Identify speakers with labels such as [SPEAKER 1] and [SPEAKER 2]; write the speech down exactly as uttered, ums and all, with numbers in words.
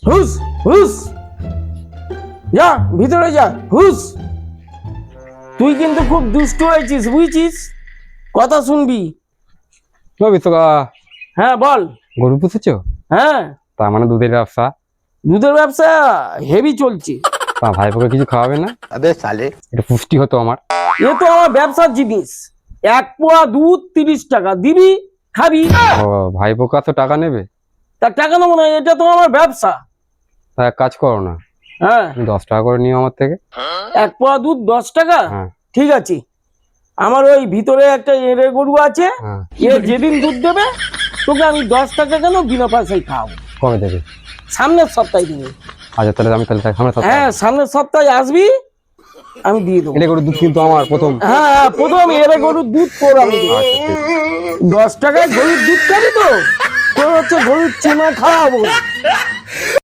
[SPEAKER 1] হুস হুস, যা ভিতরে যা, হুস। তুই কিন্তু খুব দুষ্ট হয়েছিস বুঝছিস, কথা শুনবি।
[SPEAKER 2] বিশ্বকা
[SPEAKER 1] হ্যাঁ বল।
[SPEAKER 2] গরু পুষেছো?
[SPEAKER 1] হ্যাঁ,
[SPEAKER 2] তার মানে দুধের ব্যবসা।
[SPEAKER 1] দুধের ব্যবসা হেভি চলছে।
[SPEAKER 2] তা ভাইপোকে কিছু খাওয়াবে না?
[SPEAKER 3] अबे साले
[SPEAKER 2] এটা পুষ্টি হতো আমার।
[SPEAKER 1] এ তো আমার ব্যবসার জিনিস। এক পোয়া দুধ তিরিশ টাকা দিবি, খাবি।
[SPEAKER 2] ও ভাইপো কত টাকা নেবে?
[SPEAKER 1] তার টাকা নেবো না, এটা তো আমার ব্যবসা।
[SPEAKER 2] তা এক কাজ করো না,
[SPEAKER 1] হ্যাঁ,
[SPEAKER 2] তুমি দশ টাকা করে নিও আমার থেকে।
[SPEAKER 1] এক পোয়া দুধ দশ টাকা।
[SPEAKER 2] হ্যাঁ
[SPEAKER 1] ঠিক আছে, আমার ওই ভিতরে একটা এঁড়ে গরু আছে,
[SPEAKER 2] হ্যাঁ।
[SPEAKER 1] এ যেদিন দুধ দেবে তোকে আমি দশ টাকা কেন বিনা পয়সায় খাওয়াবো।
[SPEAKER 2] কবে দেবে?
[SPEAKER 1] সামনের সপ্তাহে দিবি।
[SPEAKER 2] আচ্ছা তাহলে আমি তাহলে সামনে সপ্তাহে।
[SPEAKER 1] হ্যাঁ, সামনের সপ্তাহে আসবি, আমি দিয়ে দেবো।
[SPEAKER 2] এটা করে দুধ কিন্তু আমার প্রথম।
[SPEAKER 1] হ্যাঁ হ্যাঁ, প্রথম এঁড়ে গরুর দুধ তোর আমি দেবো।
[SPEAKER 2] আচ্ছা ঠিক আছে।
[SPEAKER 1] দশ টাকায় গরুর দুধ খাবি তো, তোর হচ্ছে গরুর চেনা খাওয়াবো।